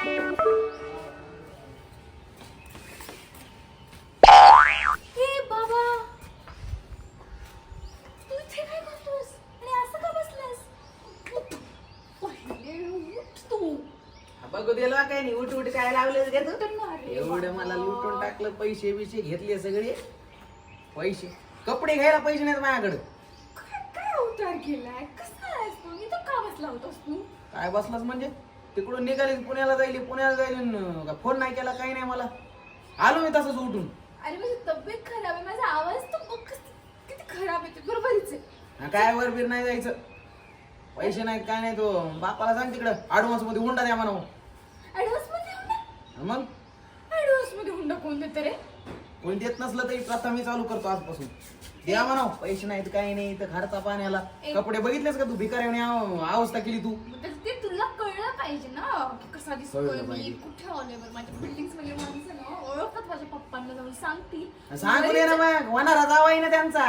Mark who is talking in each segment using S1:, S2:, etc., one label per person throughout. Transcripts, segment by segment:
S1: बाबा तू इथे काय करतोस आणि असं का बसलास? पहिले उठ तू.
S2: बघू दिला काय नाही उठ उठ काय लावले
S1: अरे
S2: एवढं मला
S1: बाबा.
S2: लुटून टाकलं पैसे बिशे घेतले सगळे पैसे कपडे घ्यायला पैसे नाहीत माझ्याकडे
S1: काय अवतार केलाय? कसा आहेस तू? इथं का बसला होतास तू?
S2: काय बसलास म्हणजे तिकडून निघाली पुण्याला जाईल फोन नाही केला काही नाही मला आलो मी तसंच उठून
S1: अरे माझी तब्येत खराब आहे, माझा आवाज तर बघ किती खराब येते. बरोबरच आहे.
S2: काय वरबीर नाही जायचं पैसे नाहीत काय नाही तो बापाला सांग तिकडं ऍडव्हान्स मध्ये हुंडा द्या म्हणा
S1: ऍडव्हान्स मध्ये हुंडा?
S2: मग
S1: ऍडव्हान्स मध्ये हुंडा कोण देतं रे?
S2: कोण देत नसलं तरी प्रथम मी चालू करतो आजपासून द्या म्हणा पैसे नाहीत काही नाही तर खर्चा पाण्याला कपडे बघितलेस का तू भिकाऱ्याने अवस्था केली तू
S1: तर ते तुला कळलं पाहिजे ना की कसा दिसतोय
S2: कळलं
S1: मी,
S2: पाहिजे.
S1: कुठे आलोय बरं. माझ्या बिल्डिंग मध्ये माणसं ना ओळखतात माझ्या पप्पांना, जाऊन सांगतील.
S2: सांगू दे ना मग होणारा जावाई ना त्यांचा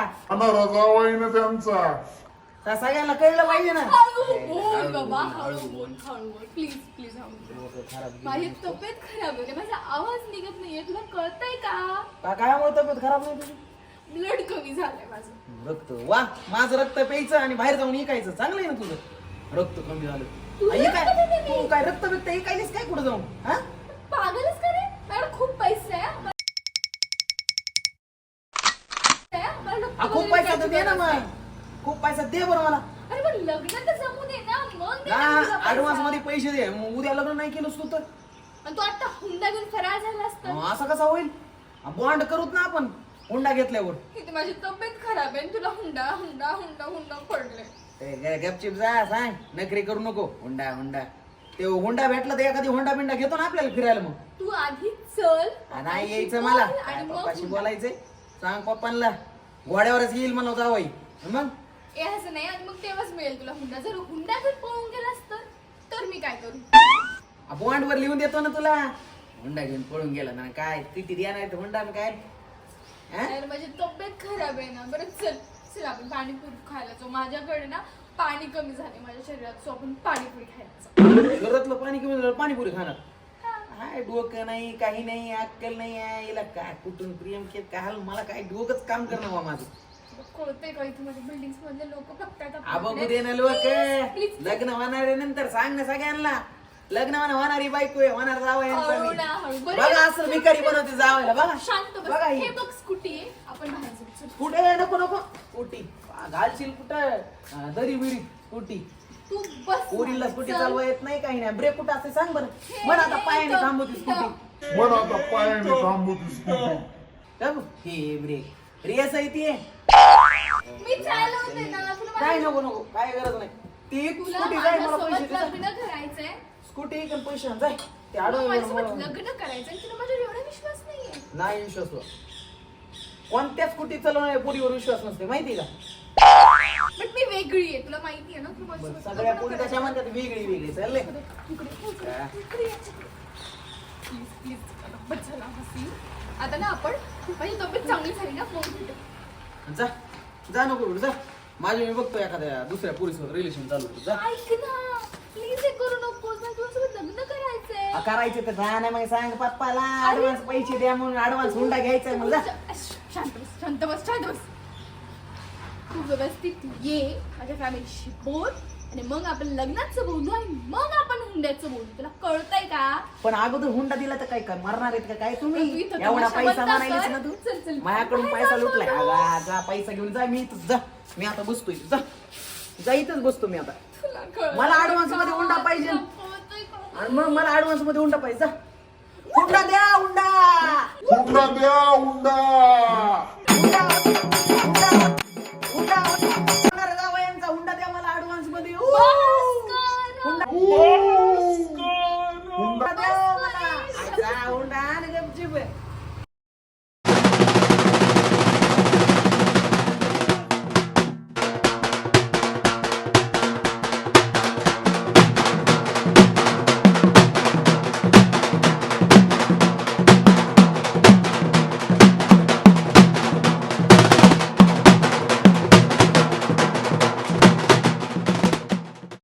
S2: सगळ्यांना कळलं पाहिजे ना
S1: हळू बोल बाबा,
S2: हळू
S1: हळू
S2: बोल.
S1: बोल, हळू बोल. प्लीज प्लीज हळू बोल.
S2: डोकं खराब
S1: माझी तब्येत खराब होते, माझा आवाज निघत नाहीये. तुला कळतंय का?
S2: काय मुळे तब्येत खराब नाही तुझी
S1: ब्लड कमी झालंय माझं.
S2: रक्त वा माझं रक्त प्यायचं आणि बाहेर जाऊन इकायचं चांगलं आहे ना तुझं रक्त कमी झालं
S1: तुझं
S2: काय
S1: रक्त कमी?
S2: तू काय रक्त बिक्त इकायलीस काय कुठं जाऊन हा
S1: पागलच का रे? माझ्याकडे खूप पैसे आहे. मला रक्त
S2: खूप
S1: वगैरे
S2: पैसा तर
S1: द्यायची
S2: दे ना
S1: गरज नाही.
S2: मग खूप पैसा दे बरं मला
S1: अरे पण लग्न तर जमू दे ना, मग दे ना तुझा पैसा.
S2: ऍडव्हान्स मध्ये पैसे दे मग उद्या लग्न नाही केलंस तू तर
S1: आणि तू आता हुंडा घेऊन फरार झाला असता.
S2: असं कसं होईल बॉन्ड करूत ना आपण हुंडा घेतल्यावर
S1: इथे माझी तब्येत खराब आहे आणि तुला हुंडा हुंडा हुंडा हुंडा पडले.
S2: गपचिप जा सांग नखरे करू नको हुंडा हुंडा ते हुंडा भेटला तर एखादी हुंडा बिंडा घेतो ना आपल्याला फिरायला मग
S1: तू आधी चल,
S2: नाही यायचं मला
S1: बोल
S2: काय
S1: आणि मग
S2: पप्पाशी
S1: हुंडा.
S2: बोलायचंय सांग पप्पांना घोड्यावरच येईल मला जावई मग
S1: ए असं नाही, आणि मग तेव्हाच मिळेल तुला हुंडा. जर हुंडा घेऊन पळून गेलास तर मी काय करू?
S2: बॉन्ड वर लिहून देतो ना तुला हुंडा घेऊन पळून गेला ना काय किती द्या नाही हुंडा काय हा?
S1: यार माझी तब्येत खराब आहे ना. बरं चल चल आपण पाणीपुरी खायला जाऊ. माझ्याकडे ना पाणी कमी झाले माझ्या शरीरात, सो आपण पाणीपुरी खायला जाऊ.
S2: घरातलं पाणी कमी झालं पाणीपुरी खाणार हाय डोकं नाही काही नाही अक्कल नाही आहे याला काय कुठून प्रियम केत काय हाल मला काय डोकंच काम करणं बा माझं
S1: कळतंय का इथे माझ्या बिल्डिंग मधले लोक बघतात
S2: बघू दे ना लोक
S1: Please, please.
S2: लग्न होणारे नंतर सांग ना सगळ्यांना लग्न होणारी बायको आहे होणार जावं
S1: हळू ना, हळू. बरं,
S2: बघा असं भिकारी बनवते जावायला बघा
S1: शांत बस.
S2: बघा
S1: हे बघ स्कूटी आहे, आपण बाहेर जाऊ. चल.
S2: कुठे नको नको स्कूटी घालशील कुठं दरी बिरी स्कूटी
S1: तू बस.
S2: पोरीला स्कूटी
S1: चल.
S2: चालवा येत नाही काही नाही ब्रेक कुठं असते सांग बरं
S1: हे,
S2: म्हण आता
S1: हे,
S2: पायाने
S1: इथं,
S2: थांबवती
S1: इथं.
S2: स्कूटी हे ब्रेक रेस आहे ती
S1: मी चालवते ना. तुला
S2: काय
S1: माझ्या-
S2: नको नको काय गरज नाही ती
S1: तुला
S2: स्कूटी जाय मला
S1: माझ्यासोबत
S2: पैसे दे.
S1: लग्न करायचंय.
S2: स्कूटी एक आणि पैसे आण, जाय ते
S1: तुला
S2: आडवं
S1: माझ्यासोबत
S2: येऊन
S1: लग्न करायचंय. तुला माझ्यावर एवढा विश्वास नाहीये.
S2: नाही विश्वास तुला. कोणत्या स्कूटी चालवणाऱ्या पोरीवर विश्वास नसते माहिती का
S1: बट मी वेगळी आहे, तुला माहिती आहे ना. तू
S2: बरं,
S1: माझ्यासोबत
S2: सगळ्या
S1: लग्न
S2: पोरी
S1: करायचंय.
S2: कशा म्हणतात वेगळी वेगळी चालले
S1: इकडे, इकडे, इकडे ये. प्लीज प्लीज बस झाला हसी. आता ना आपण माझी तब्येत चांगली झाली ना, मग भेटू.
S2: जा जा नको जा माझी मी बघतो एखाद्या दुसऱ्या पोरीसोबत रिलेशन चालू होतं. जा
S1: ऐक ना प्लीज, हे करू नकोस. मला तुझ्यासोबत लग्न करायचंय.
S2: करायचे तर जा ना मग सांग पप्पाला ऍडव्हान्स पैसे द्या म्हणून ऍडव्हान्स हुंडा घ्यायचा मला जा.
S1: शांत बस, शांत बस, शांत बस. तू व्यवस्थित ये, माझ्या फॅमिलीशी बोल आणि मग आपण लग्नाचं बोलू आणि मग आपण हुंड्याचं बोलू. तुला कळतंय का?
S2: पण अगोदर हुंडा दिला तर काय कर मारणार आहेत का काय तुम्ही
S1: तू इथं
S2: एवढा
S1: तमाशा
S2: पैसा
S1: बंद
S2: मारायलीस
S1: कर.
S2: ना तू
S1: चल, चल.
S2: माझ्याकडून
S1: बाहेर
S2: पैसा
S1: जा
S2: लुटलाय
S1: सोडून.
S2: जा पैसा घेऊन जा मी इथंच जा मी आता बसतोय जा जा इथंच बसतो मी आता
S1: तुला कळतंय
S2: मला advance मध्ये हुंडा पाहिजे.
S1: तुला कळतंय का?
S2: आणि मग मला ऍडव्हान्स मध्ये हुंडा पाहिजे जा. हुंडा द्या हुंडा हुंडा हुंडा होणार जावयांचा हुंडा द्या मला ऍडव्हान्स मध्ये
S1: बस कर.
S2: हुंडा हुंडा द्या मला जा हुंडा आणि गपचूप